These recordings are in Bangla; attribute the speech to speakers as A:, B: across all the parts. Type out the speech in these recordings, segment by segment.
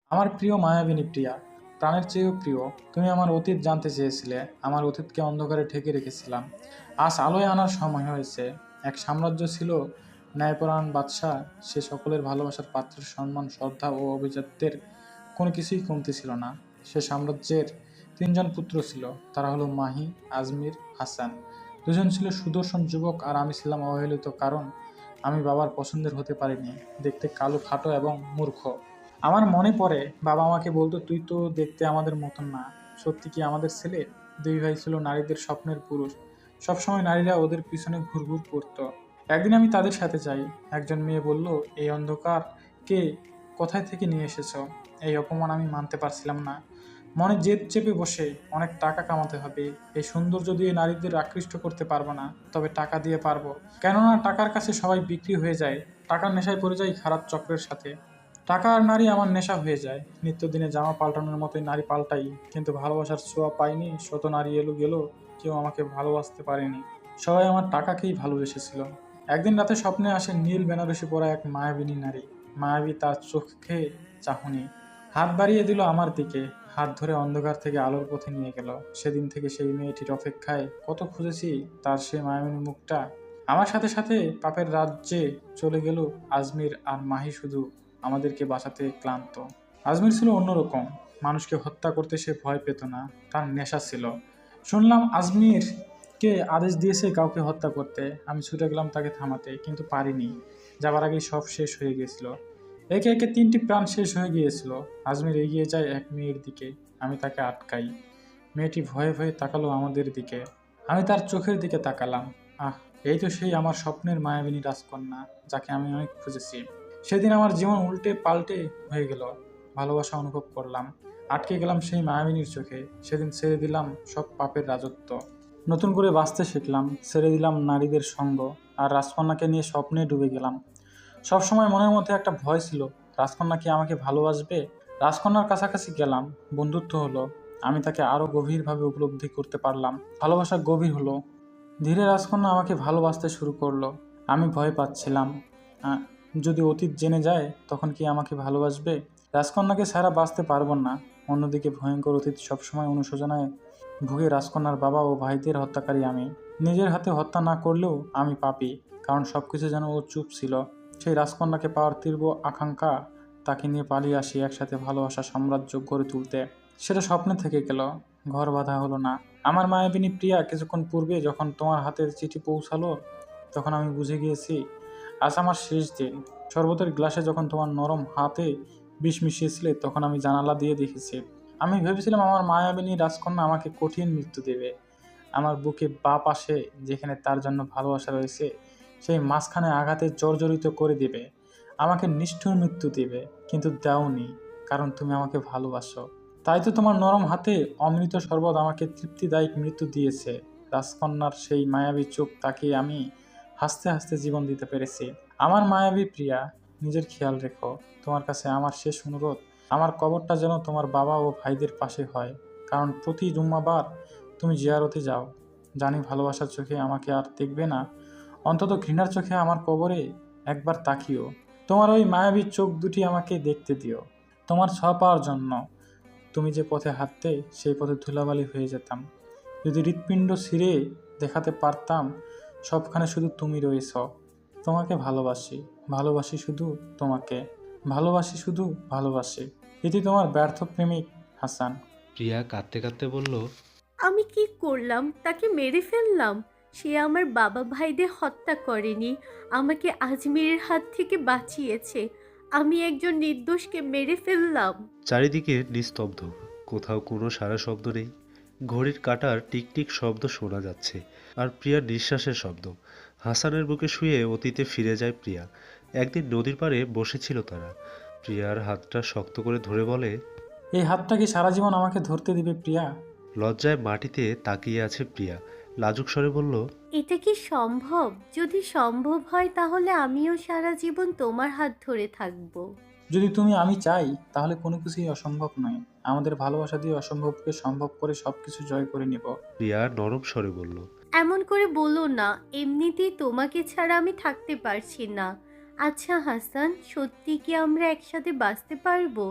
A: আমার প্রিয় মায়াবিনী প্রিয়া, প্রাণের চেয়েও প্রিয়। তুমি আমার অতীত জানতে চেয়েছিলে, আমার অতীতকে অন্ধকারে ঢেকে রেখেছিলাম। আজ আলোয় আনার সময় হয়েছে। এক সাম্রাজ্য ছিল, ন্যায়পরায়ণ বাদশাহ। সে সকলের ভালোবাসার পাত্রের সম্মান, শ্রদ্ধা ও অভিজাত্যের কোনো কিছুই কমতি ছিল না। সে সাম্রাজ্যের তিনজন পুত্র ছিল। তারা হলো মাহি, আজমির, হাসান। দুজন ছিল সুদর্শন যুবক, আর আমি ছিলাম অবহেলিত, কারণ আমি বাবার পছন্দের হতে পারিনি। দেখতে কালো, খাটো এবং মূর্খ। আমার মনে পড়ে, বাবা আমাকে বলতো, তুই তো দেখতে আমাদের মতন না। সত্যি কি আমাদের ছেলে? দুই ভাই ছিল নারীদের স্বপ্নের পুরুষ। সবসময় নারীরা ওদের পিছনে ঘুরঘুর করতো। একদিন আমি তাদের সাথে যাই। একজন মেয়ে বলল, এই অন্ধকার কে কোথায় থেকে নিয়ে এসেছো? এই অপমান আমি মানতে পারছিলাম না। মনে জেদ চেপে বসে, অনেক টাকা কামাতে হবে। এই সৌন্দর্য দিয়ে নারীদের আকৃষ্ট করতে পারবো না, তবে টাকা দিয়ে পারবো। কেননা টাকার কাছে সবাই বিক্রি হয়ে যায়। টাকার নেশায় পড়ে যায় খারাপ চক্রের সাথে। টাকা আর নারী আমার নেশা হয়ে যায়। নিত্যদিনে জামা পাল্টানোর মতোই নারী পাল্টাই, কিন্তু ভালোবাসার ছোঁয়া পাইনি। শত নারী এলো গেল, কেউ আমাকে ভালোবাসতে পারেনি। সবাই আমার টাকাকেই ভালোবেসেছিল। একদিন রাতে স্বপ্নে আসে নীল বেনারসি পরা এক মায়াবিনী নারী। মায়াবী তার চোখে চাহনি। হাত বাড়িয়ে দিল আমার দিকে। হাত ধরে অন্ধকার থেকে আলোর পথে নিয়ে গেল। সেদিন থেকে সেই মেয়েটির অপেক্ষায় কত খুঁজেছি তার সেই মায়াবিনী মুখটা। আমার সাথে সাথে পাপের রাজ্যে চলে গেল আজমির, আর মাহি শুধু আমাদেরকে বাঁচাতে ক্লান্ত। আজমির ছিল অন্যরকম। মানুষকে হত্যা করতে সে ভয় পেত না, তার নেশা ছিল। শুনলাম আজমির কে আদেশ দিয়েছে কাউকে হত্যা করতে। আমি ছুটে গেলাম তাকে থামাতে, কিন্তু পারিনি। যাবার আগেই সব শেষ হয়ে গিয়েছিল। একে একে তিনটি প্রাণ শেষ হয়ে গিয়েছিল। আজমির এগিয়ে যায় এক মেয়ের দিকে। আমি তাকে আটকাই। মেয়েটি ভয়ে ভয়ে তাকালো আমাদের দিকে। আমি তার চোখের দিকে তাকালাম। আহ, এই তো সেই আমার স্বপ্নের মায়াবিনী রাজকন্যা, যাকে আমি অনেক খুঁজেছি। সেদিন আমার জীবন উল্টে পাল্টে হয়ে গেল। ভালোবাসা অনুভব করলাম। আটকে গেলাম সেই মায়াবিনীর চোখে। সেদিন ছেড়ে দিলাম সব পাপের রাজত্ব। নতুন করে বাঁচতে শিখলাম। ছেড়ে দিলাম নারীদের সঙ্গ, আর রাজকন্যাকে নিয়ে স্বপ্নে ডুবে গেলাম। সবসময় মনের মধ্যে একটা ভয় ছিল, রাজকন্যা কি আমাকে ভালোবাসবে? রাজকন্যার কাছাকাছি গেলাম, বন্ধুত্ব হলো। আমি তাকে আরো গভীরভাবে উপলব্ধি করতে পারলাম। ভালোবাসা গভীর হলো। ধীরে রাজকন্যা আমাকে ভালোবাসতে শুরু করলো। আমি ভয় পাচ্ছিলাম। আহ, যদি অতীত জেনে যায়, তখন কি আমাকে ভালোবাসবে? রাজকন্যাকে ছাড়া বাঁচতে পারবো না। অন্যদিকে ভয়ঙ্কর অতীত সবসময় অনুশোচনায় ভুগে। রাজকন্যার বাবা ও ভাইদের হত্যাকারী আমি। নিজের হাতে হত্যা না করলেও আমি পাপী, কারণ সবকিছু যেন ও চুপ ছিল। সেই রাজকন্যাকে পাওয়ার তীব্র আকাঙ্ক্ষা, তাকে নিয়ে পালিয়ে আসি একসাথে ভালোবাসা সাম্রাজ্য গড়ে তুলতে। সেটা স্বপ্নে থেকে গেল, ঘর বাঁধা হলো না। আমার মায়াবিনী প্রিয়া, কিছুক্ষণ পূর্বে যখন তোমার হাতের চিঠি পৌঁছালো, তখন আমি বুঝে গিয়েছি আজ আমার শেষ দিন। শরবতের গ্লাসে যখন তোমার নরম হাতে বিষ মিশিয়েছিলে, তখন আমি জানালা দিয়ে দেখেছি। আমি ভেবেছিলাম আমার মায়াবিনী রাজকন্যা আমাকে কঠিন মৃত্যু দেবে। আমার বুকে বা পাশে, যেখানে তার জন্য ভালোবাসা রয়েছে, সেই মাঝখানে আঘাতে জর্জরিত করে দিবে। আমাকে নিষ্ঠুর মৃত্যু দিবে। কিন্তু দাওনি, কারণ তুমি আমাকে ভালোবাসো। তাই তো তোমার নরম হাতে অমৃত শরবত আমাকে তৃপ্তিদায়ক মৃত্যু দিয়েছে। রাজকন্যার সেই মায়াবী চোখ তাকিয়ে আমি হাসতে হাসতে জীবন দিতে পেরেছি। আমার মায়াবী প্রিয়া, নিজের খেয়াল রেখো। তোমার কাছে আমার শেষ অনুরোধ, আমার কবরটা যেন তোমার বাবা ও ভাইদের পাশে হয়, কারণ প্রতি জুম্মাবার তুমি জিয়ারতে যাও। জানি ভালোবাসার চোখে আমাকে আর দেখবে না, অন্তত ঘৃণার চোখে আমার কবরে একবার তাকিও। তোমার ওই মায়াবী চোখ দুটি আমাকে দেখতে দিও। তোমার ছোঁয়া পাওয়ার জন্য তুমি যে পথে হাঁটতে, সেই পথে ধুলাবালি হয়ে যেতাম। যদি হৃৎপিণ্ড ছিঁড়ে দেখাতে পারতাম সবখানে শুধু তুমি রয়েছ। তোমাকে ভালোবাসি, ভালোবাসি শুধু তোমাকে, ভালোবাসি শুধু ভালোবাসি। এটি তোমার ব্যর্থ প্রেমিক, হাসান।
B: প্রিয়া কাঁদতে কাঁদতে বলল,
C: আমি কি করলাম? তাকে মেরে ফেললাম? সে আমার বাবা ভাইদের হত্যা করেনি, আমাকে আজমিরের হাত থেকে বাঁচিয়েছে। আমি একজন নির্দোষকে মেরে ফেললাম।
B: চারিদিকে নিস্তব্ধ, কোথাও কোনো সারা শব্দ নেই। ঘড়ির কাঁটার টিকটিক শব্দ শোনা যাচ্ছে, আর প্রিয়ার নিঃশ্বাসের শব্দ। হাসানের বুকে শুয়ে অতীতে ফিরে যায় প্রিয়া। একদিন নদীর পাড়ে বসেছিল তারা। প্রিয়ার হাতটা শক্ত করে ধরে বলে,
A: এই হাতটা কি সারা জীবন আমাকে ধরতে দিবে প্রিয়া?
B: লজ্জায় মাটিতে তাকিয়ে আছে প্রিয়া। লাজুক স্বরে বলল,
C: এটা কি সম্ভব? যদি সম্ভব হয় তাহলে আমিও সারা জীবন তোমার হাত ধরে থাকবো।
A: যদি তুমি আমি চাই, তাহলে কোনো কিছুই অসম্ভব নয়। আমাদের ভালোবাসা দিয়ে অসম্ভবকে সম্ভব করে সবকিছু জয় করে নিব।
B: প্রিয়া নরম স্বরে বলল,
C: এমন করে বলো না, এমনিতেই তোমাকে ছাড়া আমি থাকতে পারছি না। আচ্ছা হাসান, সত্যি কি আমরা একসাথে বাঁচতে পারবো?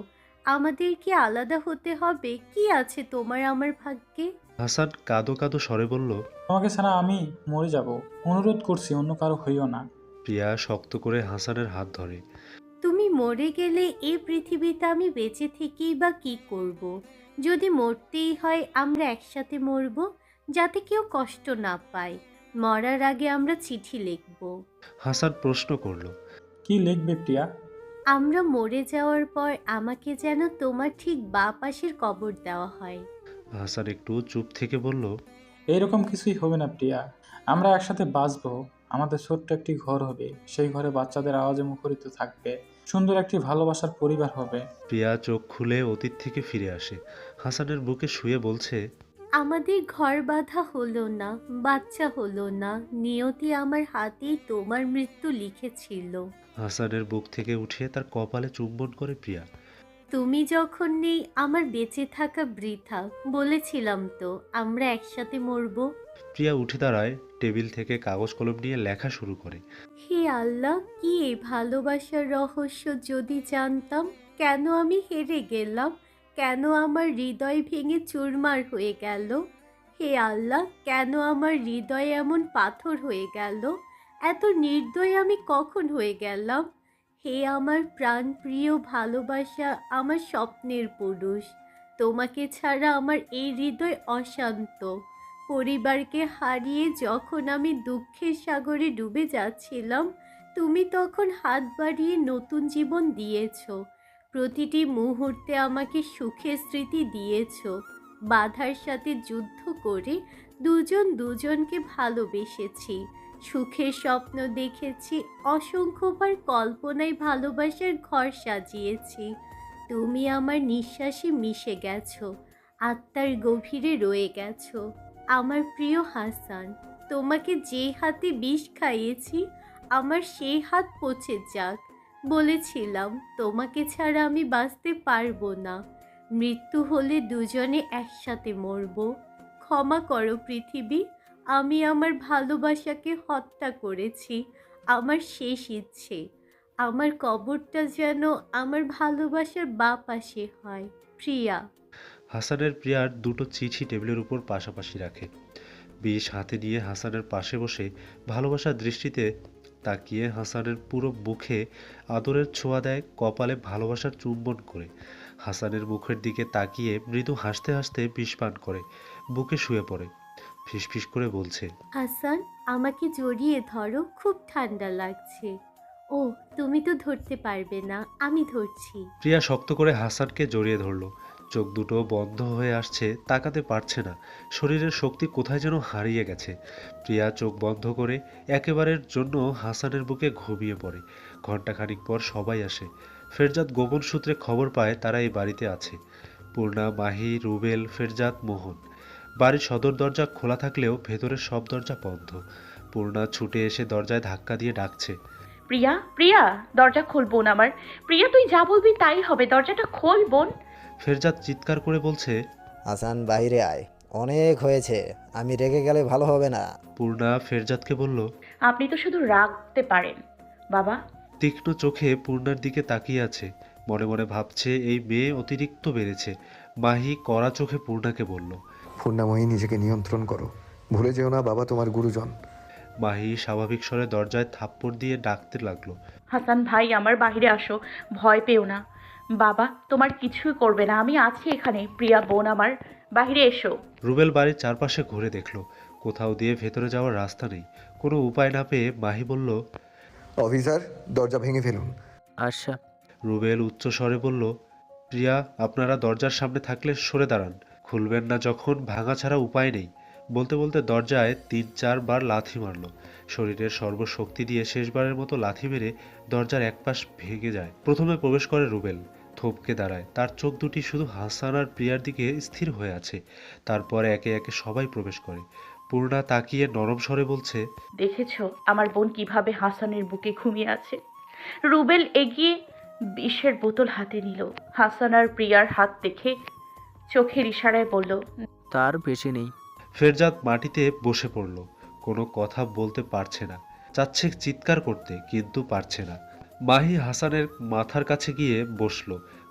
C: আমাদের কি আলাদা হতে হবে? কি আছে তোমার আমার ভাগ্যে?
B: হাসান কাঁদো কাঁদো স্বরে বলল।
A: তোমাকে ছাড়া আমি মরে যাব। অনুরোধ করছি অন্য কারো হইও না।
B: প্রিয়া শক্ত করে হাসানের হাত ধরে।
C: তুমি মরে গেলে এই পৃথিবীতে আমি বেঁচে থেকেই বা কি করব? যদি মরতেই হয় আমরা একসাথে মরব, যাতে কেউ কষ্ট না পায়। মরার আগে আমরা চিঠি লিখব।
B: হাসান প্রশ্ন করলো।
A: কি লিখবে প্রিয়া?
C: আমরা মরে যাওয়ার পর আমাকে যেন তোমার ঠিক বাঁ পাশের কবর দেওয়া হয়।
B: হাসান একটু চুপ থেকে বলল।
A: এইরকম কিছুই হবে না প্রিয়া। আমরা একসাথে বাঁচবো। আমাদের ছোট্ট একটি ঘর হবে, সেই ঘরে বাচ্চাদের আওয়াজে মুখরিত থাকবে। সুন্দর একটি ভালোবাসার পরিবার হবে।
B: প্রিয়া চোখ খুলে অতীত থেকে ফিরে আসে। হাসানের বুকে শুয়ে বলছে।
C: আমাদের ঘর বাঁধা হলো না, বাচ্চা হলো না, নিয়তি আমার হাতেই তোমার মৃত্যু লিখেছিল।
B: হাসানের বুক থেকে উঠিয়ে তার কপালে চুম্বন করে প্রিয়া।
C: তুমি যখন নেই আমার বেঁচে থাকা বৃথা। বলেছিলাম তো আমরা একসাথে মরব।
B: প্রিয়া উঠে দাঁড়ায়, টেবিল থেকে কাগজ কলম নিয়ে লেখা শুরু করে।
C: হে আল্লাহ, কি এই ভালোবাসার রহস্য যদি জানতাম! কেন আমি হেরে গেলাম? কেন আমার হৃদয় ভেঙে চুরমার হয়ে গেল? হে আল্লাহ, কেন আমার হৃদয় এমন পাথর হয়ে গেল? এত নির্দয় আমি কখন হয়ে গেলাম? হে আমার প্রাণপ্রিয় ভালোবাসা, আমার স্বপ্নের পুরুষ, তোমাকে ছাড়া আমার এই হৃদয় অশান্ত। পরিবারকে হারিয়ে যখন আমি দুঃখের সাগরে ডুবে যাচ্ছিলাম, তুমি তখন হাত বাড়িয়ে নতুন জীবন দিয়েছ। প্রতিটি মুহূর্তে আমাকে সুখের স্মৃতি দিয়েছ। বাধার সাথে যুদ্ধ করে দুজন দুজনকে ভালোবেসেছি। সুখের স্বপ্ন দেখেছি, অসংখ্যবার কল্পনায় ভালোবাসার ঘর সাজিয়েছি। তুমি আমার নিঃশ্বাসে মিশে গেছো, আত্মার গভীরে রয়ে গেছো। আমার প্রিয় হাসান, তোমাকে যে হাতে বিষ খাইয়েছি, আমার সেই হাত পচে যাক। বলেছিলাম তোমাকে ছাড়া আমি বাঁচতে পারবো না। মৃত্যু হলে দুজনে একসাথে মরব। ক্ষমা করো পৃথিবী, আমি আমার ভালোবাসাকে হত্যা করেছি। আমার শেষ ইচ্ছে, আমার কবরটা যেন আমার ভালোবাসার বাঁ পাশে হয়। প্রিয়া।
B: হাসানের প্রিয়ার দুটো চিঠি টেবিলের উপর পাশাপাশি রাখে। বিষ হাতে নিয়ে হাসানের পাশে বসে ভালোবাসার দৃষ্টিতে তাকিয়ে হাসানের পুরো মুখে আদরের ছোঁয়া দেয়, কপালে ভালোবাসার চুম্বন করে। হাসানের মুখের দিকে তাকিয়ে মৃদু হাসতে হাসতে বিষ পান করে বুকে শুয়ে পড়ে। ফিসফিস করে বলছে।
C: হাসান, আমাকে জড়িয়ে ধরো, খুব ঠান্ডা লাগছে। ও, তুমি তো ধরতে পারবে না, আমি ধরছি।
B: প্রিয়া শক্ত করে হাসানকে জড়িয়ে ধরল। চোখ দুটো বন্ধ হয়ে আসছে, তাকাতে পারছে না। শরীরের শক্তি কোথায় যেন হারিয়ে গেছে। প্রিয়া চোখ বন্ধ করে একেবারের জন্য হাসানের বুকে ঘুমিয়ে পড়ে। ঘণ্টাখানিক পর সবাই আসে। ফেরজাদ গোপন সূত্রে খবর পায় তারা এই বাড়িতে আছে। পূর্ণা, মাহি, রুবেল, ফেরজাদ, মোহন। বাড়ির সদর দরজা খোলা থাকলেও ভেতরের সব দরজা বন্ধ। পূর্ণা ছুটে এসে দরজায় ধাক্কা দিয়ে ডাকছে।
D: প্রিয়া, প্রিয়া, দরজা খোল বোন আমার। প্রিয়া, তুই যা বলবি তাই হবে, দরজাটা খোল বোন।
B: ফেরজাদ চিৎকার করে বলছে।
E: হাসান, বাইরে আয়, অনেক হয়েছে, আমি রেগে গেলে ভালো হবে না।
B: পূর্ণা ফেরজাদকে বলল।
D: আপনি তো শুধু রাগতে পারেন বাবা।
B: তীক্ষ্ণ চোখে পূর্ণার দিকে তাকিয়ে আছে। মনে মনে ভাবছে এই মেয়ে অতিরিক্ত বেড়েছে। মাহি কড়া চোখে পূর্ণাকে বলল।
F: পূর্ণাময়ী, নিজেকে নিয়ন্ত্রণ করো, ভুলে যেও না বাবা তোমার গুরুজন।
B: মাহি স্বাভাবিক স্বরে দরজায় থাপ্পড় দিয়ে ডাকতে লাগলো।
D: হাসান ভাই, আমার বাহিরে আসো, ভয় পেও না। বাবা তোমার কিছুই করবে না, আমি আছি এখানে। প্রিয়া বোন আমার, বাহিরে এসো।
B: রুবেল বাড়ির চারপাশে ঘুরে দেখলো, কোথাও দিয়ে ভেতরে যাওয়ার রাস্তা নেই। কোনো উপায় না পেয়ে মাহি বলল।
F: অফিসার, দরজা ভেঙে ফেলুন।
G: আচ্ছা।
B: রুবেল উচ্চ স্বরে বলল। প্রিয়া, আপনারা দরজার সামনে থাকলে সরে দাঁড়ান। খুলবেন না যখন, ভাঙা ছাড়া উপায় নেই। বলতে বলতে দরজায় ৩-৪ বার লাথি মারল। শরীরের সর্বশক্তি দিয়ে শেষবারের মতো লাথি মেরে দরজার এক পাশ ভেঙে যায়। প্রথমে প্রবেশ করে রুবেল। থমকে দাঁড়ায়, তার চোখ দুটি শুধু হাসান আর প্রিয়ার দিকে স্থির হয়ে আছে। তারপরে একে একে সবাই প্রবেশ করে। পূর্ণা তাকিয়ে নরম স্বরে বলছে।
D: দেখেছো আমার বোন কিভাবে হাসানের বুকে ঘুমিয়ে আছে? রুবেল এগিয়ে বিষের বোতল হাতে নিল। হাসান আর প্রিয়ার হাত দেখে চোখের ইশারায় বলল,
G: তার বেশি নেই।
B: ফেরজাদ মাটিতে বসে পড়ল। কোনো কথা বলতে পারছে না। চাচ্ছে চিৎকার করতে, কিন্তু পারছে না। মাহি হাসানের মাথার কাছে গিয়ে বসলো।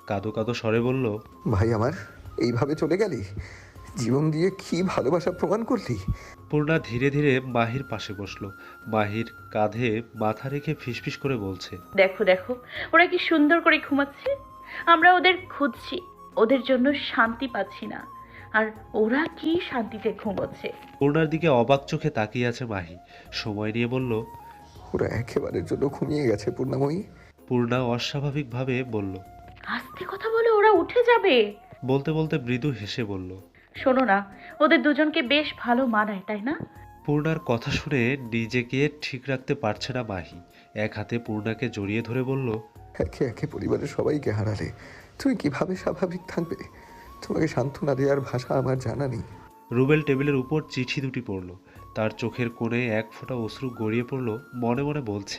B: কাঁদো কাঁদো স্বরে বলল,
F: ভাই আমার, এইভাবে চলে গেলি? জীবন দিয়ে কি ভালোবাসা প্রমাণ করলি?
B: পূর্ণা ধীরে ধীরে মাহির পাশে বসলো। মাহির কাঁধে মাথা রেখে ফিসফিস করে বলছে,
D: দেখো দেখো, ওরা কি সুন্দর করে ঘুমাচ্ছে। আমরা ওদের খুঁজছি, ওদের জন্য শান্তি পাচ্ছি না, আর ওরা কি শান্তিতে ঘুমোচ্ছে।
B: পূর্ণার দিকে অবাক চোখে তাকিয়ে আছে মাহি। সময় নিয়ে বলল,
F: ওরা একেবারের জন্য ঘুমিয়ে গেছে পূর্ণাময়ী।
B: পূর্ণা অস্বাভাবিকভাবে বলল।
D: আস্তে কথা বলে, ওরা উঠে যাবে।
B: বলতে বলতে মৃদু হেসে বলল,
D: শোনো না, ওদের দুজনকে বেশ ভালো মানায়, তাই না?
B: পূর্ণার কথা শুনে নিজেকে ঠিক রাখতে পারছে না মাহি। এক হাতে পূর্ণাকে জড়িয়ে ধরে বলল,
F: একে একে পরিবারের সবাইকে হারালে, তুমি কিভাবে স্বাভাবিক থাকবে? তোমাকে সান্ত্বনা দেওয়ার ভাষা আমার জানা নেই।
B: রুবেল টেবিলের উপর চিঠি দুটি পড়ল। তার চোখের কোণে এক ফোঁটা অশ্রু গড়িয়ে পড়ল। মনে মনে বলছে,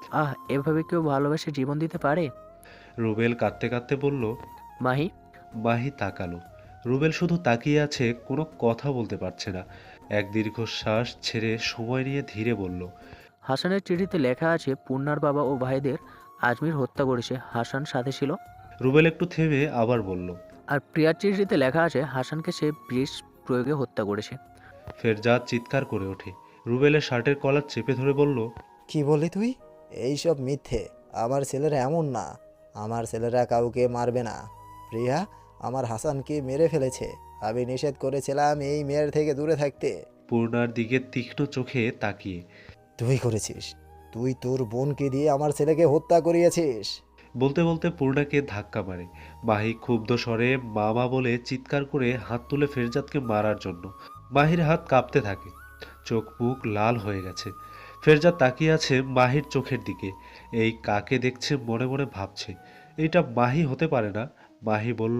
G: এভাবে কেউ ভালোবেসে জীবন দিতে পারে?
B: রুবেল কাঁদতে কাঁদতে বলল।
G: মাহি,
B: মাহি তাকালো। রুবেল শুধু তাকিয়ে আছে, কোনো কথা বলতে পারছে না। এক দীর্ঘশ্বাস ছেড়ে সময় নিয়ে ধীরে বলল,
G: হাসানের চিঠিতে লেখা আছে পূর্ণার বাবা ও ভাইদের আজমির হত্যা করেছে, হাসান সাথে ছিল।
B: রুবেল একটু থেমে আবার বলল,
G: আর প্রিয়ার চিঠিতে লেখা আছে হাসানকে সে বিষ প্রয়োগে হত্যা করেছে।
B: ফেরজাদ চিৎকার করে ওঠে। রুবেলের শার্টের কলার চেপে ধরে বলল,
E: কি বললি তুই? এইসব মিথ্যে। আমার ছেলেরা এমন না। আমার ছেলেরা কাউকে মারবে না। প্রিয়া আমার হাসানকে মেরে ফেলেছে। আমি নিষেধ করেছিলাম এই মেয়ের থেকে দূরে থাকতে।
B: পূর্ণার দিকে তীক্ষ্ণ চোখে তাকিয়ে।
E: তুই করেছিস। তুই তোর বোনকে দিয়ে আমার ছেলেকে হত্যা করিয়েছিস।
B: বলতে বলতে পূর্ণাকে ধাক্কা মারে। মাহি ক্ষুব্ধ স্বরে মামা বলে চিৎকার করে হাত তুলে ফেরজাদকে মারার জন্য। মাহির হাত কাঁপতে থাকে, চোখ মুখ লাল হয়ে গেছে। ফেরজাদ তাকিয়ে আছে মাহির চোখের দিকে। এই কাকে দেখছে মনে মনে ভাবছে, এইটা মাহি হতে পারে না। মাহি বলল,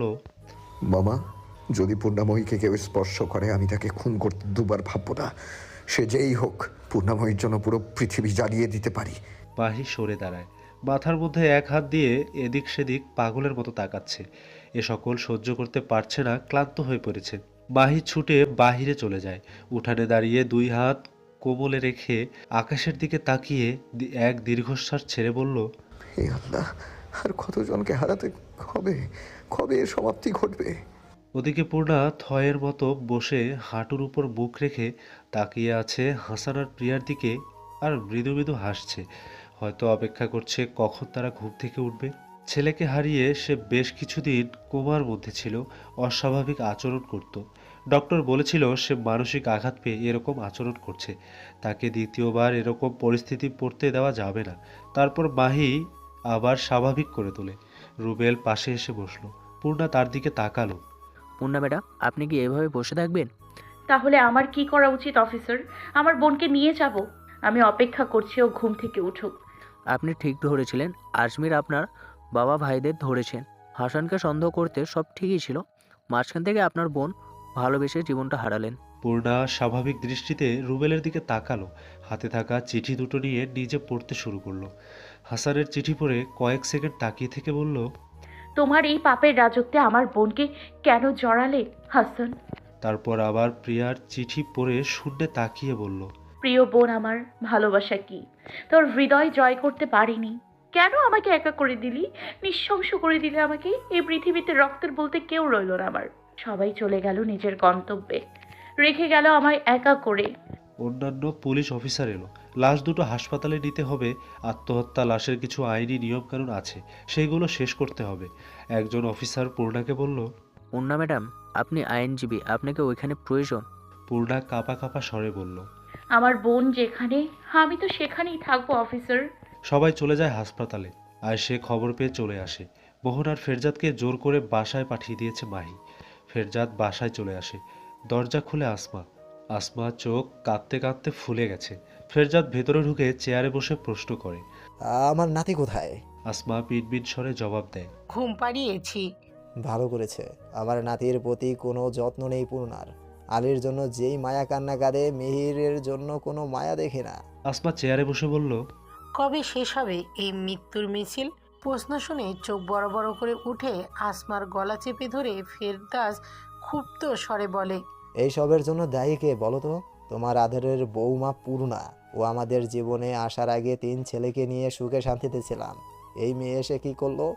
F: মামা, যদি পূর্ণাময়ীকে কেউ স্পর্শ করে আমি তাকে খুন করতে দুবার ভাববো না। সে যেই হোক, পূর্ণাময়ীর জন্য পুরো পৃথিবী জ্বালিয়ে দিতে পারি।
B: মাহি সরে দাঁড়ায়। মাথার মধ্যে এক হাত দিয়ে এদিক সেদিক পাগলের মতো তাকাচ্ছে। এ সকল সহ্য করতে পারছে না, ক্লান্ত হয়ে পড়েছে। মাহি ছুটে বাহিরে চলে যায়। উঠানে দাঁড়িয়ে দুই হাত কোমলে রেখে আকাশের দিকে তাকিয়ে এক দীর্ঘশ্বাস ছেড়ে বলল,
F: হে আল্লাহ, আর কতজনকে হারাতে হবে? কবে এর সমাপ্তি ঘটবে?
B: ওদিকে পূর্ণা থয়ের মতো বসে হাঁটুর উপর মুখ রেখে তাকিয়ে আছে হাসান আর প্রিয়ার দিকে, আর মৃদু মৃদু হাসছে। হয়তো অপেক্ষা করছে কখন তারা ঘুম থেকে উঠবে। ছেলেকে হারিয়ে সে বেশ কিছুদিন কোমার মধ্যে ছিল, অস্বাভাবিক আচরণ করত। ডক্টর বলেছিল সে মানসিক আঘাত পেয়ে এরকম আচরণ করছে। তাকে দ্বিতীয়বার এরকম পরিস্থিতি পড়তে দেওয়া যাবে না। তারপর মাহি আবার স্বাভাবিক করে তোলে। রুবেল পাশে এসে বসলো। পূর্ণা তার দিকে তাকালো।
G: পূর্ণা ম্যাডাম, আপনি কি এভাবে বসে থাকবেন?
D: তাহলে আমার কি করা উচিত অফিসার? আমার বোনকে নিয়ে যাব। আমি অপেক্ষা করছি ও ঘুম থেকে উঠুক।
G: আপনি ঠিক ধরেছিলেন, আজমির আপনার বাবা ভাইদের ধরেছেন। হাসানকে সন্দেহ করতে সব ঠিকই ছিল, মাঝখান থেকে আপনার বোন ভালোবেসে জীবনটা হারালেন।
B: পূর্ণা স্বাভাবিক দৃষ্টিতে রুবেলের দিকে তাকালো। হাতে থাকা চিঠি দুটো নিয়ে নিজে পড়তে শুরু করলো। হাসানের চিঠি পড়ে কয়েক সেকেন্ড তাকিয়ে থেকে বলল,
D: তোমার এই পাপের রাজত্বে আমার বোনকে কেন জড়ালে হাসান?
B: তারপর আবার প্রিয়ার চিঠি পড়ে শূন্যে তাকিয়ে বলল,
D: প্রিয় বোন আমার, ভালোবাসা কি তোর হৃদয় জয় করতে পারিনি? কেন আমাকে একা করে দিলি? নিঃশংস করে দিলে আমাকে। এই পৃথিবীতে রক্তের বলতে কেউ রইল না আমার। সবাই চলে গেল নিজের গন্তব্যে, রেখে গেল আমায় একা করে।
B: অন্যান্য পুলিশ অফিসার এলো। লাশ দুটো হাসপাতালে নিতে হবে। আত্মহত্যা লাশের কিছু আইনি নিয়মকানুন আছে, সেইগুলো শেষ করতে হবে। একজন অফিসার পূর্ণাকে বলল।
G: পূর্ণা ম্যাডাম, আপনি আইনজীবী, আপনাকে ওইখানে প্রয়োজন।
B: পূর্ণা কাঁপা কাঁপা স্বরে বলল,
D: আমার বোন যেখানে, আমি তো সেখানেই থাকবো অফিসার।
B: সবাই চলে যায় হাসপাতালে। আর সে খবর পেয়ে চলে আসে। মোহন আর ফেরজাদকে জোর করে বাসায় পাঠিয়ে দিয়েছে মাহি। ফেরজাদ বাসায় চলে আসে। দরজা খুলে আসমা। আসমা চোখ কাঁদতে কাঁদতে ফুলে গেছে। ফেরজাদ ভেতরে ঢুকে চেয়ারে বসে প্রশ্ন করে।
E: আমার নাতি কোথায়?
B: আসমা পিনপিন স্বরে জবাব দেয়,
H: ঘুম পাড়িয়েছি।
E: ভালো করেছে। আমার নাতির প্রতি কোনো যত্ন নেই পূর্ণার। আলীর জন্য যেই মায়া কান্না কাঁদে, মিহিরের জন্য কোনো মায়া দেখে না।
B: আসমা চেয়ারে বসে বলল,
H: কবে শেষ হবে এই মৃত্যুর মিছিল? প্রশ্ন শুনে চোখ বড় বড় করে উঠে আসমার গলা চেপে ধরে ফেরদাস ক্ষুব্ধ স্বরে বলে,
E: এই সবের জন্য দায়ী কে বলো তো? তোমার আদরের বৌমা পূর্ণা। ও আমাদের জীবনে আসার আগে 3 ছেলেকে নিয়ে সুখে শান্তিতে ছিলাম। এই মেয়ে এসে কি করলো?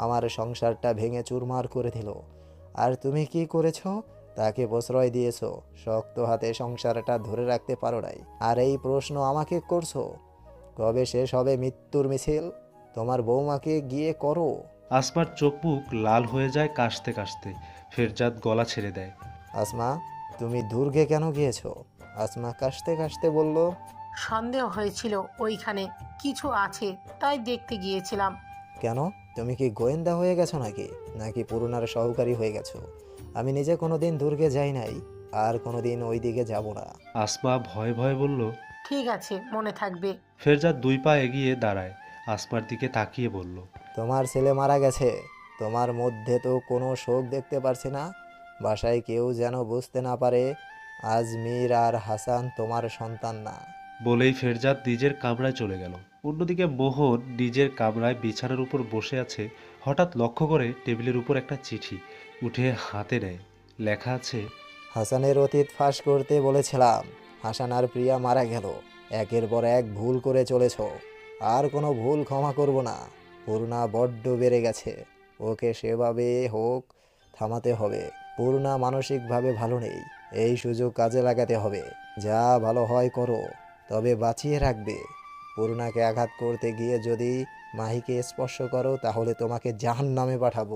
E: আমার সংসারটা ভেঙে চুরমার করে দিল। আর তুমি কি করেছো? তাকে প্রশ্রয় দিয়েছো, শক্ত হাতে সংসারটা ধরে রাখতে পারো নাই। আর এই প্রশ্ন আমাকে করছো? কবে শেষ হবে মৃত্যুর মিছিল? তোমার বৌমাকে গিয়ে করো।
B: আসমার চোখ মুখ লাল হয়ে যায় কাশতে কাশতে। ফেরজাদ গলা ছেড়ে দেয়।
E: আসমা, তুমি দুর্গে কেন গিয়েছো? আসমা কাশতে কাশতে বলল।
H: সন্দেহ হয়েছিল ওইখানে কিছু আছে, তাই দেখতে গিয়েছিলাম।
E: কেন, তুমি কি গোয়েন্দা হয়ে গেছো নাকি? নাকি পুরুনার সহকারী হয়ে গেছো? আমি নিজে কোনোদিন দুর্গে যাই নাই, আর কোনোদিন ওই দিকে যাব না।
B: আসমা ভয়ে ভয়ে বলল।
H: ঠিক আছে, মনে থাকবে।
B: ফেরজাদ 2 পা এগিয়ে দাঁড়ায়, আসমার দিকে তাকিয়ে বলল।
E: তোমার ছেলে মারা গেছে, তোমার মধ্যে তো কোনো শোক দেখতে পারছি না। বাসায় কেউ যেন বুঝতে না পারে আজমির আর হাসান তোমার সন্তান না।
B: বলেই ফেরজাদ নিজের কামরায় চলে গেল। অন্যদিকে মোহন নিজের কামরায় বিছানার উপর বসে আছে। হঠাৎ লক্ষ্য করে টেবিলের উপর একটা চিঠি উঠে হাতে নেয়। লেখা আছে।
E: হাসানের অতীত ফাঁস করতে বলেছিলাম, হাসান আর প্রিয়া মারা গেল। একের পর এক ভুল করে চলেছ, আর কোনো ভুল ক্ষমা করব না। পূর্ণা বড্ড বেড়ে গেছে, ওকে সেভাবে হোক থামাতে হবে। পূর্ণা মানসিকভাবে ভালো নেই, এই সুযোগ কাজে লাগাতে হবে। যা ভালো হয় করো, তবে বাঁচিয়ে রাখবে। পূর্ণাকে আঘাত করতে গিয়ে যদি মাহিকে স্পর্শ করো, তাহলে তোমাকে জাহান্নামে পাঠাবো।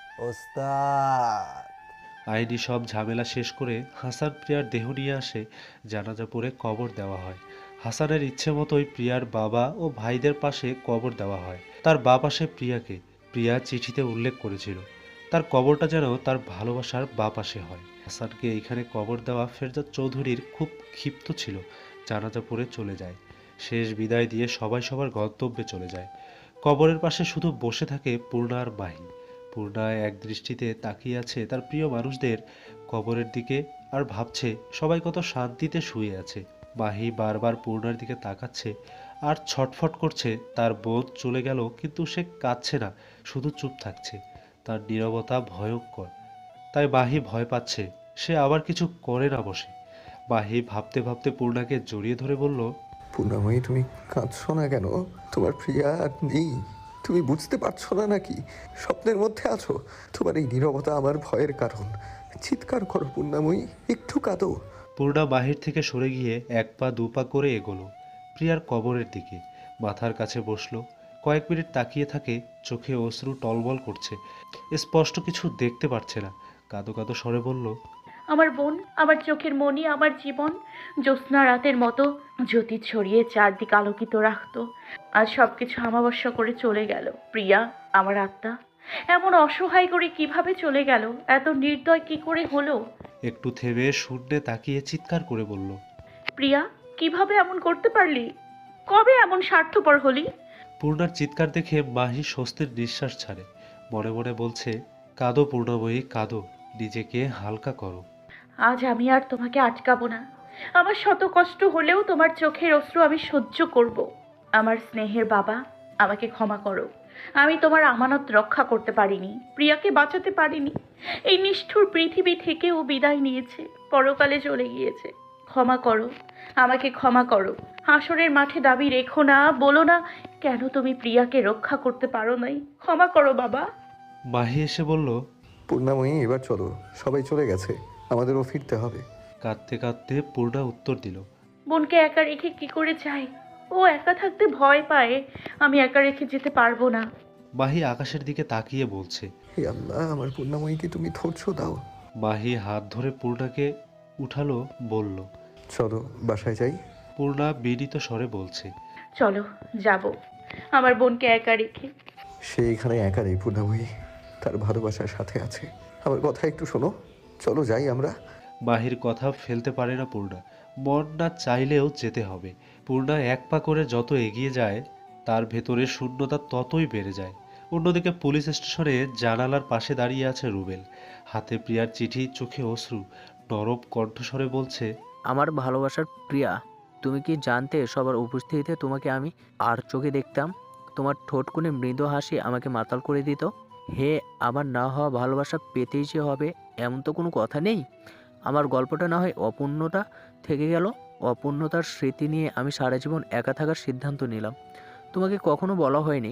E: ওস্তাদ।
B: আইনি সব ঝামেলা শেষ করে হাসান প্রিয়ার দেহ নিয়ে আসে। জানাজা পড়ে কবর দেওয়া হয়। হাসানের ইচ্ছে মতোই প্রিয়ার বাবা ও ভাইদের পাশে কবর দেওয়া হয়। তার বাঁ পাশে প্রিয়াকে। প্রিয়া চিঠিতে উল্লেখ করেছিল তার কবরটা যেন তার ভালোবাসার বাঁ পাশে হয়। হাসানকে এইখানে কবর দেওয়া ফেরজাদ চৌধুরীর খুব ক্ষিপ্ত ছিল। জানাজা পড়ে চলে যায়। শেষ বিদায় দিয়ে সবাই সবার গন্তব্যে চলে যায়। কবরের পাশে শুধু বসে থাকে পূর্ণা আর মাহি। পূর্ণা এক দৃষ্টিতে তাকিয়ে আছে তার প্রিয় মানুষদের কবরের দিকে, আর ভাবছে সবাই কত শান্তিতে শুয়ে আছে। মাহি বারবার পূর্ণার দিকে তাকাচ্ছে আর ছটফট করছে। তার বোন চলে গেল, কিন্তু সে কাঁদছে না, শুধু চুপ থাকছে। তার নীরবতা ভয়ঙ্কর। তাই মাহি ভয় পাচ্ছে সে আবার কিছু করে না বসে। মাহি ভাবতে ভাবতে পূর্ণাকে জড়িয়ে ধরে বলল।
F: পূর্ণাময়ী, তুমি কাঁদছো না কেন? তোমার প্রিয়া আর নেই, তুমি বুঝতে পারছো না নাকি? স্বপ্নের মধ্যে আছো। তোমার এই নীরবতা আমার ভয়ের কারণ। চিৎকার করো পূর্ণাময়ী, একটু কাঁদো।
B: পূর্ণা বাহির থেকে সরে গিয়ে 1 পা 2 পা করে এগোলো প্রিয়ার কবরের দিকে। মাথার কাছে বসলো। কয়েক মিনিট তাকিয়ে থাকে, চোখে অশ্রু টলবল করছে। স্পষ্ট কিছু দেখতে পারছে না। কাঁদো কাঁদো স্বরে বলল।
D: আমার বোন, আমার চোখের মণি, আমার জীবন জ্যোৎস্না রাতের মতো জ্যোতি ছড়িয়ে চারদিক আলোকিত রাখতো, আজ সবকিছু আমাবস্যা করে চলে গেল। প্রিয়া, আমার আত্মা, এমন অসহায় করে কিভাবে চলে গেল? এত নির্দয় কি করে হলো?
B: একটু থেমে শূন্যে তাকিয়ে চিৎকার করে বলল।
D: প্রিয়া, কিভাবে এমন করতে পারলি? কবে এমন স্বার্থপর হলি?
B: পূর্ণার চিৎকার দেখে মাহি স্বস্তির নিঃশ্বাস ছাড়ে। মনে মনে বলছে, কাঁদো পূর্ণাময়ী, কাঁদো, নিজেকে হালকা করো।
D: আজ আমি আর তোমাকে আটকাবো না। আমার শত কষ্ট হলেও তোমার চোখের অশ্রু আমি সহ্য করব। আমার স্নেহের বাবা, আমাকে ক্ষমা করো। আমি তোমার আমানত রক্ষা করতে পারিনি, প্রিয়াকে বাঁচাতে পারিনি। এই নিষ্ঠুর পৃথিবী থেকে ও বিদায় নিয়েছে, পরকালে চলে গিয়েছে। ক্ষমা করো, আমাকে ক্ষমা করো। হাসরের মাঠে দাবি রেখো না, বলো না কেন তুমি প্রিয়াকে রক্ষা করতে পারো নাই। ক্ষমা করো বাবা।
B: মাহি এসে বলল।
F: পূর্ণাময়ী, এবার চলো, সবাই চলে গেছে, আমাদেরও ফিরতে হবে।
B: কাঁদতে কাঁদতে পূর্ণা উত্তর দিল।
D: বোনকে একা রেখে কি করে যাই? ও একা থাকতে ভয় পায়, আমি একা রেখে যেতে পারবো না।
B: মাহি আকাশের দিকে তাকিয়ে বলছে।
F: হে আল্লাহ, আমার পূর্ণাময়ীকে তুমি ধৈর্য দাও।
B: মাহি হাত ধরে পূর্ণাকে উঠালো, বলল।
F: চলো বাসায় যাই।
B: পূর্ণা বিনীত স্বরে বলছে।
D: চলো, যাব, আমার বোনকে একা রেখে।
F: সে এখানে একা নেই পূর্ণাময়ী, তার ভালোবাসার সাথে আছে। আমার কথা একটু শোনো, চলো যাই আমরা।
B: মাহির কথা ফেলতে পারে না পূর্ণা। মন না চাইলেও যেতে হবে। পূর্ণা 1 পা করে যত এগিয়ে যায়, তার ভেতরে শূন্যতা ততই বেড়ে যায়। অন্যদিকে পুলিশ স্টেশনে জানালার পাশে দাঁড়িয়ে আছে রুবেল। হাতে প্রিয়ার চিঠি, চোখে অশ্রু। নরম কণ্ঠস্বরে বলছে।
G: আমার ভালোবাসার প্রিয়া, তুমি কি জানতে সবার উপস্থিতিতে তোমাকে আমি আর চোখে দেখতাম? তোমার ঠোঁটকুনে মৃদু হাসি আমাকে মাতাল করে দিত। হে, আমার না হওয়া ভালোবাসা পেতেই যে হবে এমন তো কোনো কথা নেই। আমার গল্পটা না হয় অপূর্ণতা থেকে গেল, অপূর্ণতার স্মৃতি নিয়ে আমি সারা জীবন একা থাকার সিদ্ধান্ত নিলাম। তোমাকে কখনো বলা হয়নি,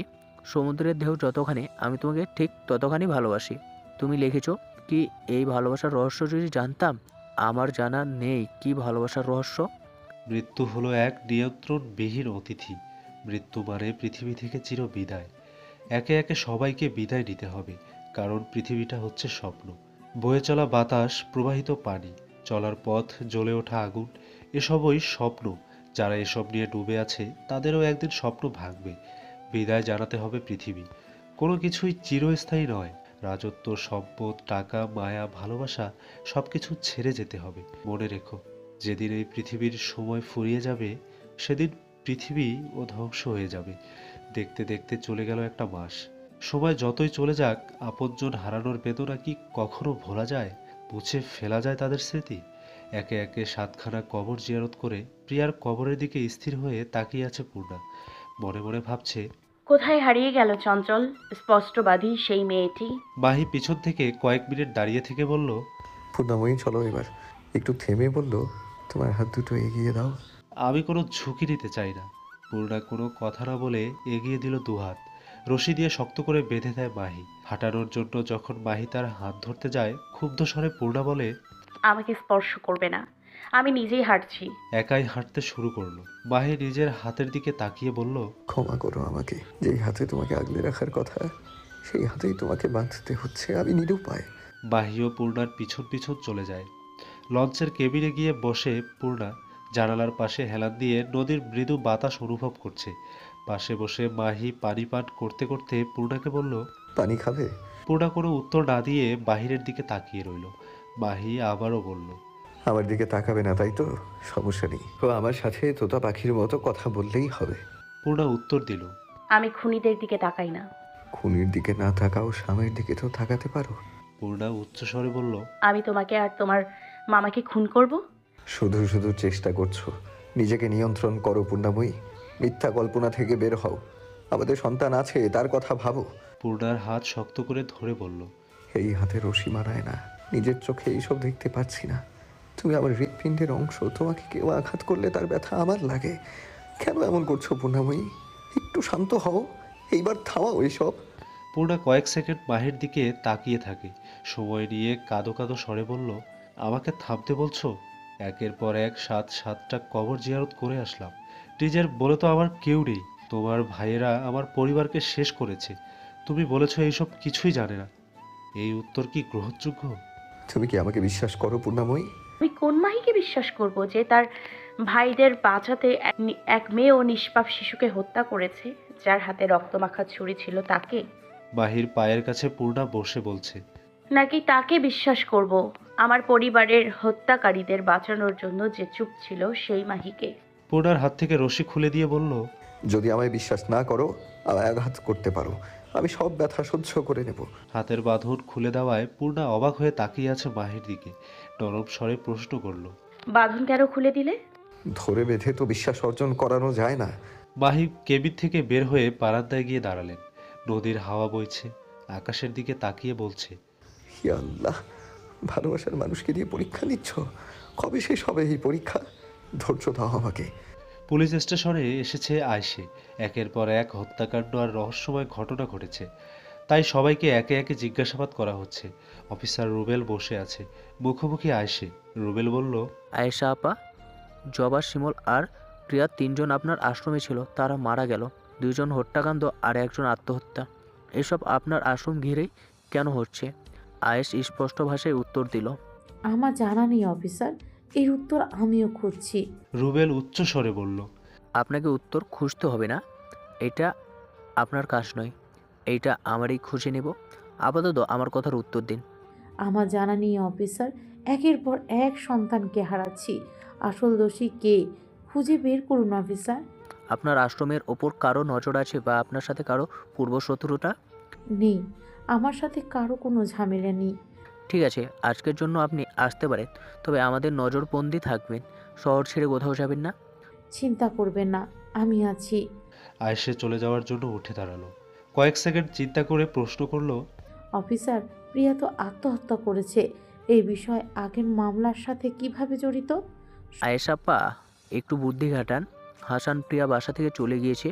G: সমুদ্রের ঢেউ যতখানি আমি তোমাকে ঠিক ততখানি ভালোবাসি। তুমি লিখেছো কি এই ভালোবাসার রহস্য যদি জানতাম। আমার জানা নেই কি ভালোবাসার রহস্য।
B: মৃত্যু হলো এক নিয়ন্ত্রণবিহীন অতিথি। মৃত্যু মানে পৃথিবী থেকে চির বিদায়। একে একে সবাইকে বিদায় নিতে হবে, কারণ পৃথিবীটা হচ্ছে স্বপ্ন। বয়ে চলা বাতাস, প্রবাহিত পানি, চলার পথ, জ্বলে ওঠা আগুন, এসবই স্বপ্ন। যারা এসব নিয়ে ডুবে আছে তাদেরও একদিন স্বপ্ন ভাঙবে। বিদায় জানাতে হবে পৃথিবী। কোনো কিছুই চিরস্থায়ী নয়। রাজত্ব, সম্পদ, টাকা, মায়া, ভালোবাসা সব কিছু ছেড়ে যেতে হবে। মনে রেখো, যেদিন এই পৃথিবীর সময় ফুরিয়ে যাবে সেদিন পৃথিবী ও ধ্বংস হয়ে যাবে। দেখতে দেখতে চলে গেল একটা মাস। সময় যতই চলে যাক, আপনজন হারানোর বেদনা কি কখনো ভোলা যায়? মুছে ফেলা যায় তাদের স্মৃতি? একে একে 7খানা কবর জিয়ারত করে প্রিয়ার কবরের দিকে স্থির হয়ে তাকিয়ে আছে পূর্ণা। মনে মনে ভাবছে,
D: কোথায় হারিয়ে গেল চঞ্চল স্পষ্টবাদী সেই মেয়েটি?
B: মাহি পিছন থেকে কয়েক মিনিট দাঁড়িয়ে থেকে বলল,
F: পূর্ণাময়ী চলো এবার। একটু থেমে বলল, তোমার হাত দুটো এগিয়ে দাও।
B: আমি কোনো ঝুঁকি নিতে চাই না। পূর্ণা কোনো কথা না বলে এগিয়ে দিল দুহাত। রশি দিয়ে শক্ত করে বেঁধে দেয় মাহি। হাঁটানোর জন্য যখন মাহি তার হাত ধরতে যায়, ক্ষুব্ধ স্বরে পূর্ণা বলে,
D: আমাকে স্পর্শ করবে না, আমি নিজেই হাঁটছি।
B: একাই হাঁটতে শুরু করলো। মাহি নিজের হাতের দিকে তাকিয়ে বলল,
F: ক্ষমা করো আমাকে। যেই হাতে তোমাকে আগলে রাখার কথা, সেই হাতেই তোমাকে বাঁধতে হচ্ছে। আমি নিরুপায়।
B: মাহি ও পূর্ণার পিছন পিছন চলে যায়। লঞ্চের কেবিনে গিয়ে বসে পূর্ণা জানালার পাশে হেলান দিয়ে নদীর মৃদু বাতাস অনুভব করছে। পাশে বসে মাহি পানি পান করতে করতে পূর্ণাকে বলল,
F: পানি খাবে?
B: পূর্ণা কোনো উত্তর না দিয়ে বাহিরের দিকে তাকিয়ে রইল। মাহি আবারও বলল,
F: আমার দিকে তাকাবে না তাই তো? সমস্যা নেই। তো আমার সাথে তোতা পাখির মতো কথা বললেই হবে।
B: পূর্ণা উত্তর দিল,
D: আমি খুনিদের দিকে তাকাই না।
F: খুনির দিকে না তাকাও, স্বামীর দিকে তো তাকাতে পারো।
B: পূর্ণা উচ্চস্বরে বলল,
D: আমি তোমাকে আর তোমার মামাকে খুন করব?
F: শুধু শুধু চেষ্টা করছো। নিজেকে নিয়ন্ত্রণ করো পূর্ণাময়ী। মিথ্যা কল্পনা থেকে বের হও। আমাদের সন্তান আছে, তার কথা ভাবো।
B: পূর্ণার হাত শক্ত করে ধরে বলল,
F: এই হাতে রশি মানায় না। নিজের চোখে এইসব দেখতে পাচ্ছি না। তুমি আমার হৃৎপিণ্ডের অংশ। তোমাকে কেউ আঘাত করলে তার ব্যথা আমার লাগে। কেন এমন করছো পূর্ণাময়ী? একটু শান্ত হও। এইবার থামাও এইসব।
B: পূর্ণা কয়েক সেকেন্ড মাহির দিকে তাকিয়ে থাকে। সময় নিয়ে কাঁদো কাঁদো স্বরে বলল, আমাকে থামতে বলছো? একের পর এক 7টা কবর জিয়ারত করে আসলাম। নিজের বলে তো আমার কেউ নেই। তোমার ভাইয়েরা আমার পরিবারকে শেষ করেছে। তুমি বলেছো এইসব কিছুই জানে না। এই উত্তর কি গ্রহণযোগ্য?
F: তুমি কি আমাকে বিশ্বাস করো পূর্ণাময়ী?
D: আমি কোন মাহিকে বিশ্বাস করব যে তার ভাইদের বাঁচাতে এক মেয়ে ও নিষ্পাপ শিশুকে হত্যা করেছে? যার হাতে রক্তমাখা ছুরি ছিল তাকে?
B: মাহির পায়ের কাছে পূর্ণা বসে বলছে,
D: নাকি তাকে বিশ্বাস করব আমার পরিবারের হত্যাকারীদের বাঁচানোর জন্য যে চুপ ছিল সেই মাহিকে?
B: পূর্ণার হাত থেকে রশি খুলে দিয়ে বলল,
F: যদি আমায় বিশ্বাস না করো, আমায় আঘাত করতে পারো। আমি সব ব্যথা সহ্য করে নেব।
B: হাতের বাঁধন খুলে দেওয়ায় পূর্ণা অবাক হয়ে তাকিয়ে আছে মাহির দিকে। নরম স্বরে প্রশ্ন করলো,
D: বাঁধন কেন খুলে দিলে?
F: ধরে বেঁধে তো বিশ্বাস অর্জন করানো যায় না।
B: মাহি কেবিন থেকে বের হয়ে বারান্দায় গিয়ে দাঁড়ালেন। নদীর হাওয়া বইছে। আকাশের দিকে তাকিয়ে বলছে,
F: হি আল্লাহ, ভালোবাসার মানুষকে দিয়ে পরীক্ষা নিচ্ছ। কবে শেষ হবে এই পরীক্ষা? ধৈর্য দাও আমাকে।
B: পুলিশ স্টেশনে এসেছে আয়শে। একের পর এক হত্যাকাণ্ড আর রহস্যময় ঘটনা ঘটেছে। তাই সবাইকে একে একে জিজ্ঞাসাবাদ করা হচ্ছে। অফিসার রুবেল বসে আছে, মুখোমুখি আয়শে। রুবেল বলল,
G: আয়েশা আপা, জবা, শিমুল আর প্রিয়া 3জন আপনার আশ্রমে ছিল, তারা মারা গেল। 2জন হত্যাকাণ্ড আর 1জন আত্মহত্যা। এসব আপনার আশ্রম ঘিরেই কেন হচ্ছে? আয়েশ স্পষ্ট ভাষায় উত্তর দিল,
I: আমার জানা নেই অফিসার, এর উত্তর আমিও খুঁজছি।
B: রুবেল উচ্চ স্বরে বলল,
G: আপনাকে উত্তর খুঁজতে হবে না, এটা আপনার কাজ নয়, এইটা আমারই খুঁজে নেব। আপাতত আমার কথার উত্তর দিন।
I: আমার জানা নেই অফিসার, একের পর এক সন্তানকে হারাচ্ছি। আসল দোষী কে খুঁজে বের করুন অফিসার।
G: আপনার আশ্রমের ওপর কারো নজর আছে বা আপনার সাথে কারো পূর্বশত্রুতা?
I: নেই, আমার সাথে কারো কোনো ঝামেলা নেই।
G: ঠিক আছে, আজকের জন্য আপনি আসতে পারেন, তবে আমাদের নজরবন্দি থাকবেন। শহর ছেড়ে কোথাও যাবেন না।
I: চিন্তা করবেন না, আমি আছি।
B: আয়শে চলে যাওয়ার জন্য উঠে দাঁড়ালো। কয়েক সেকেন্ড চিন্তা করে প্রশ্ন করলো,
I: অফিসার, প্রিয়া তো আত্মহত্যা করেছে। এই বিষয় আগের মামলার সাথে কিভাবে জড়িত?
G: আয়েশাপ্পা, একটু বুদ্ধি খাটান। হাসান প্রিয়া বাসা থেকে চলে গিয়েছে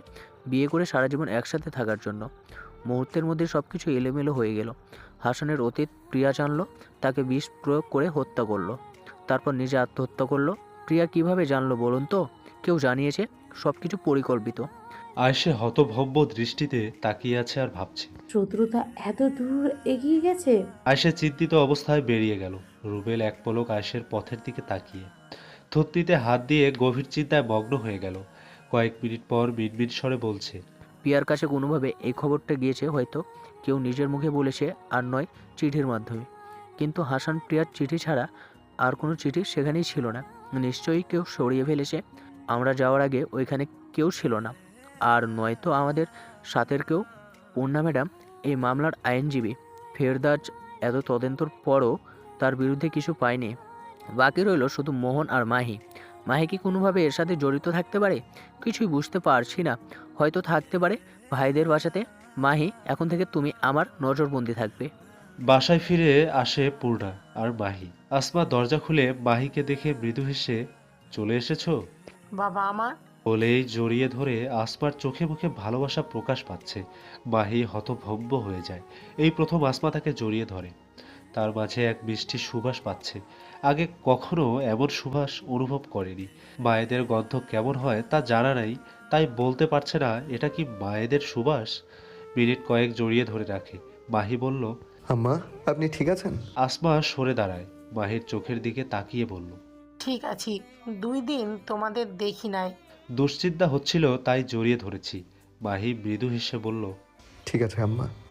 G: বিয়ে করে সারা জীবন একসাথে থাকার জন্য। মুহূর্তের মধ্যে সব কিছু এলোমেলো হয়ে গেল। হাসানের অতীত প্রিয়া জানলো, তাকে বিষ প্রয়োগ করে হত্যা করলো, তারপর নিজে আত্মহত্যা করলো। প্রিয়া কিভাবে জানলো বলুন তো? কেউ জানিয়েছে, সব কিছু পরিকল্পিত।
B: আয়েশে হতভম্ব দৃষ্টিতে তাকিয়ে আছে আর ভাবছে।
I: শত্রুতা এত দূর এগিয়ে গেছে।
B: আয়েশে চিন্তিত অবস্থায় বেরিয়ে গেল। রুবেল এক পলক আয়েশের পথের দিকে তাকিয়ে থুতনিতে হাত দিয়ে গভীর চিন্তায় মগ্ন হয়ে গেল। কয়েক মিনিট পর মিনমিন স্বরে বলছে,
G: প্রিয়ার কাছে কোনোভাবে এই খবরটা গিয়েছে, হয়তো কেউ নিজের মুখে বলেছে, আর নয় চিঠির মাধ্যমে। কিন্তু হাসান প্রিয়ার চিঠি ছাড়া আর কোনো চিঠি সেখানেই ছিল না। নিশ্চয়ই কেউ সরিয়ে ফেলেছে। আমরা যাওয়ার আগে ওইখানে কেউ ছিল না, আর নয়তো আমাদের সাথের কেউ। পূর্ণা ম্যাডাম এই মামলার আইনজীবী। ফেরদাজ এত তদন্তের পরও তার বিরুদ্ধে কিছু পায়নি। বাকি রইল শুধু মোহন আর মাহি। মাহি কি কোনোভাবে এর সাথে জড়িত থাকতে পারে? কিছুই বুঝতে পারছি না। হয়তো থাকতে পারে ভাইদের বাসাতে। মাহি, এখন থেকে তুমি আমার নজরবন্দি থাকবে।
B: বাসায় ফিরে আসে পূর্ণা আর মাহি। আসমা দরজা খুলে মাহিকে দেখে মৃদু হেসে, চলে এসেছো
H: বাবা আমার।
B: বলেই জড়িয়ে ধরে আসমার চোখে মুখে ভালোবাসা প্রকাশ পাচ্ছে। মাহি হতভম্ব হয়ে যায়। এই প্রথম আসমা তাকে জড়িয়ে ধরে। তার মাঝে এক মিষ্টি সুবাস পাচ্ছে। আগে কখনো এমন সুবাস অনুভব করেনি। মায়েদের গন্ধ কেমন হয় তা জানা নাই, তাই বলতে পারছে না এটা কি মায়েদের সুবাস। মিনিট কয়েক জড়িয়ে ধরে রাখে। মাহি বলল,
F: আম্মা, আপনি ঠিক আছেন?
B: আসমা সরে দাঁড়ায়, মাহির চোখের দিকে তাকিয়ে বলল,
H: ঠিক আছি, 2 দিন তোমাদের দেখি নাই।
B: দুশ্চিন্তা হচ্ছিল তাই জড়িয়ে ধরেছি। মাহি মৃদু হেসে বলল,
F: ঠিক আছে আম্মা।